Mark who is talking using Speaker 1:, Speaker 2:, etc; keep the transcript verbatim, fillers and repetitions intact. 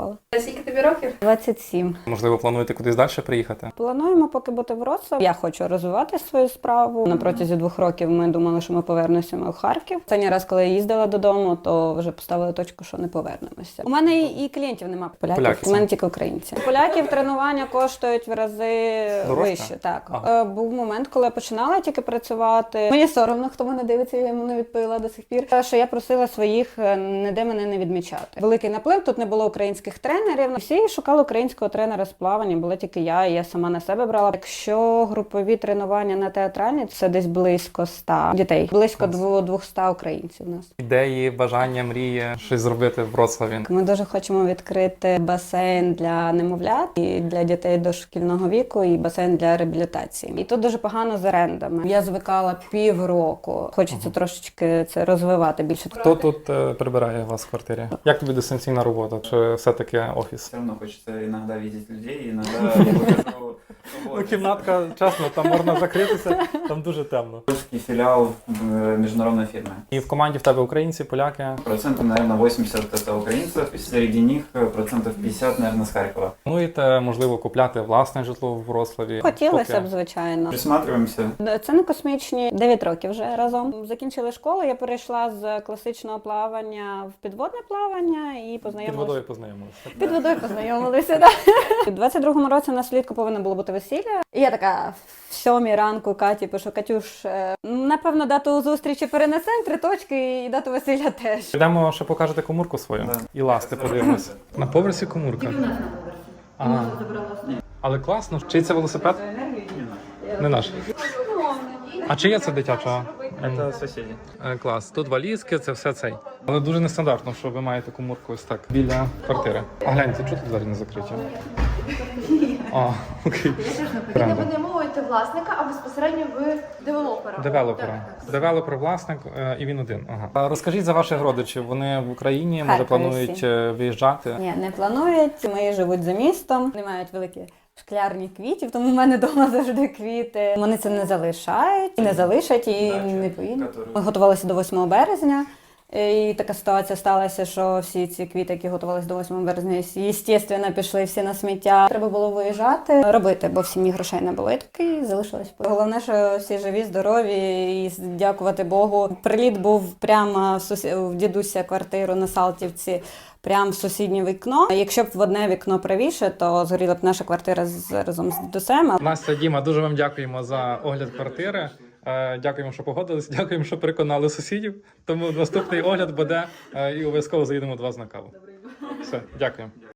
Speaker 1: школа.
Speaker 2: Скільки тобі років?
Speaker 1: двадцять сім.
Speaker 3: Можливо, плануєте кудись далі приїхати?
Speaker 1: Плануємо поки бути в Вроцлаві. Я хочу розвивати свою справу. На протязі двох років ми думали, що ми повернемося у Харків. Останній раз, коли я їздила додому, то вже поставили точку, що не повернемося. У мене і, і клієнтів немає поляків,
Speaker 3: Поляки
Speaker 1: у мене тільки українці. У поляків тренування коштують в рази
Speaker 3: Дорожче?
Speaker 1: вище. Так.
Speaker 3: Ага.
Speaker 1: Е, Був момент, коли я починала тільки працювати. Мені соромно, хто мене дивиться, я йому не відповіла до сих пір. Що я просила своїх е, ніде мене не відмічати. Великий наплив, тут не було українських тренерів. Всі шукали українського тренера з плавання, була тільки я, і я сама на себе брала. Якщо групові тренування на театральні, це десь близько ста дітей, близько двохсот українців у нас.
Speaker 3: Ідеї, бажання, мрії, щось зробити в Вроцлаві?
Speaker 1: Ми дуже хочемо відкрити басейн для немовлят і для дітей дошкільного віку, і басейн для реабілітації. І тут дуже погано з орендами. Я звикала півроку. Хочеться ага. трошечки це розвивати більше.
Speaker 3: Хто тут е, прибирає у вас в квартирі? Як тобі дистанційна робота? Чи все-таки офіс?
Speaker 4: Все равно хочется иногда видеть людей, иногда я выхожу.
Speaker 3: Ну, кімнатка, чесно, там можна закритися, там дуже темно.
Speaker 4: Польский филиал международной фирмы.
Speaker 3: І в команді в тебе українці, поляки?
Speaker 4: Процентов, наверное, восемьдесят это украинцев, и среди них процентов пятьдесят, наверное, с Харькова.
Speaker 3: Плануєте, можливо, купляти власне житло в Вроцлаві?
Speaker 1: Хотілося б, звичайно.
Speaker 4: Присматриваемся.
Speaker 1: Це не космічні. дев'ять років вже разом. Закінчили школу, я перейшла з класичного плавання в підводне плавання і познайомилася.
Speaker 3: Під водою познайомилися.
Speaker 1: Під водою познайомилися, так. У двадцять другому році на влітку повинно було бути весілля. І я така в сьомій ранку Каті пишу: Катюш, напевно, дату зустрічі перенесемо, три точки, і дату весілля теж.
Speaker 3: Йдемо, ще покажете комурку свою?
Speaker 4: Да.
Speaker 3: І ласти подивимось. На поверсі комурка?
Speaker 2: Тільки в нас на поверсі.
Speaker 3: Ага.
Speaker 2: Ми забрали основу.
Speaker 3: Але класно. Чий це велосипед? Не наш. А чи є це дитячого?
Speaker 4: Это соседи.
Speaker 3: Е, Клас. Тут валізки, це все цей. Але дуже нестандартно, що ви маєте комурку ось так біля квартири. А гляньте, чого тут двері не закриті? А, окей.
Speaker 5: Ви не винаймовуєте власника, а безпосередньо ви девелопера.
Speaker 3: Девелопера.
Speaker 5: Так, так.
Speaker 3: Девелопер, власник, е, і він один. Ага. А розкажіть за ваших родичів. Вони в Україні, може,
Speaker 1: Харкові
Speaker 3: планують
Speaker 1: всі.
Speaker 3: е, виїжджати?
Speaker 1: Ні, не планують. Мої живуть за містом. Вони мають великі шклярні квітів, тому в мене вдома завжди квіти. Вони це не залишають, і не залишать, і
Speaker 4: Дача,
Speaker 1: не поїдуть.
Speaker 4: которую-
Speaker 1: Ми готувалися до восьмого березня. І така ситуація сталася, що всі ці квіти, які готувалися до восьмого березня, звісно, пішли всі на сміття. Треба було виїжджати, робити, бо в сім'ї грошей не було. І таки залишилось. Головне, що всі живі, здорові, і дякувати Богу. Приліт був прямо в, сусі... в дідуся квартиру на Салтівці, прямо в сусіднє вікно. Якщо б в одне вікно правіше, то згоріла б наша квартира з... разом з дідусем.
Speaker 3: Настя, Діма, дуже вам дякуємо за огляд квартири. Е, Дякуємо, що погодились. Дякуємо, що переконали сусідів. Тому наступний огляд буде е, і обов'язково заїдемо до вас на каву. Все, дякуємо.